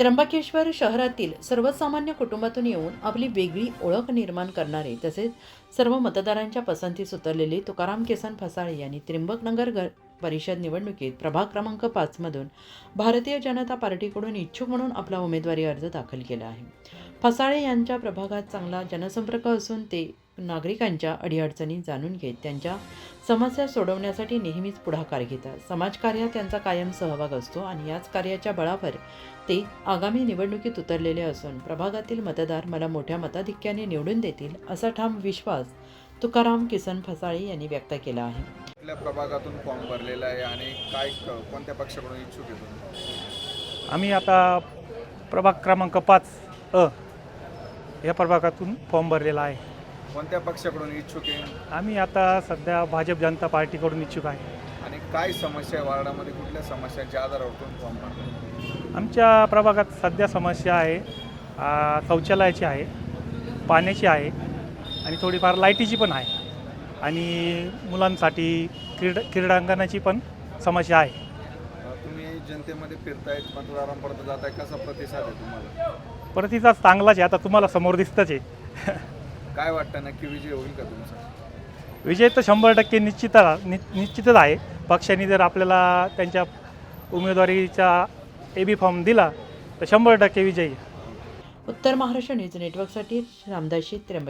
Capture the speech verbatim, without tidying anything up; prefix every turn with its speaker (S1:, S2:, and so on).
S1: त्र्यंबकेश्वर शहरातील सर्वसामान्य कुटुंबातून येऊन आपली वेगळी ओळख निर्माण करणारे तसेच सर्व मतदारांच्या पसंतीस उतरलेले तुकाराम किसन फसाळे यांनी त्र्यंबकनगर ग परिषद निवडणुकीत प्रभाग क्रमांक पाचमधून भारतीय जनता पार्टीकडून इच्छुक म्हणून आपला उमेदवारी अर्ज दाखल केला आहे. फसाळे यांच्या प्रभागात चांगला जनसंपर्क असून ते नागरिकांच्या अडीअडचणी जाणून घेत त्यांच्या समस्या सोडवण्यासाठी नेहमीच पुढाकार घेतात. समाजकार्यात त्यांचा कायम सहभाग असतो आणि याच कार्याच्या बळावर ते आगामी निवडणुकीत उतरलेले असून प्रभागातील मतदार मला मोठ्या मताधिक्याने निवडून देतील असा ठाम विश्वास तुकाराम किसन फसाळे यांनी व्यक्त केला आहे.
S2: आपल्या प्रभागातून फॉर्म भरलेला आहे आणि काय कोणत्या पक्षाकडून इच्छुक आहे तुम्ही?
S3: आम्ही आता प्रभाग क्रमांक पाच अ या प्रभागातून फॉर्म भरलेला आहे.
S2: कोणत्या पक्षाकडून इच्छुक आहे
S3: आम्ही आता सध्या भाजप जनता पार्टीकडून इच्छुक आहे.
S2: आणि काय समस्या आहे वार्डामध्ये, कुठल्या समस्यांच्या आधारावर तुम्ही फॉर्म भरला?
S3: आमच्या प्रभागात सध्या समस्या आहे आ, शौचालयाची आहे, पाण्याची आहे आणि थोडीफार लाईटीची पण आहे आणि मुलांसाठी क्रीड क्रीडांगणाची पण समस्या आहे.
S2: तुम्ही जनतेमध्ये फिरतायत, मतदारांपर्यंत जाताय, कसा प्रतिसाद आहे तुम्हाला?
S3: प्रतिसाद चांगलाच आहे. आता तुम्हाला समोर दिसतंच आहे.
S2: काय वाटतं, नक्की विजय होईल का तुमचा?
S3: विजय तर शंभर टक्के निश्चित नि निश्चितच आहे. पक्षाने जर आपल्याला त्यांच्या उमेदवारीचा ए बी फॉर्म दिला तर शंभर टक्के विजयी.
S1: उत्तर महाराष्ट्र न्यूज नेटवर्कसाठी रामदासी त्र्यंबक.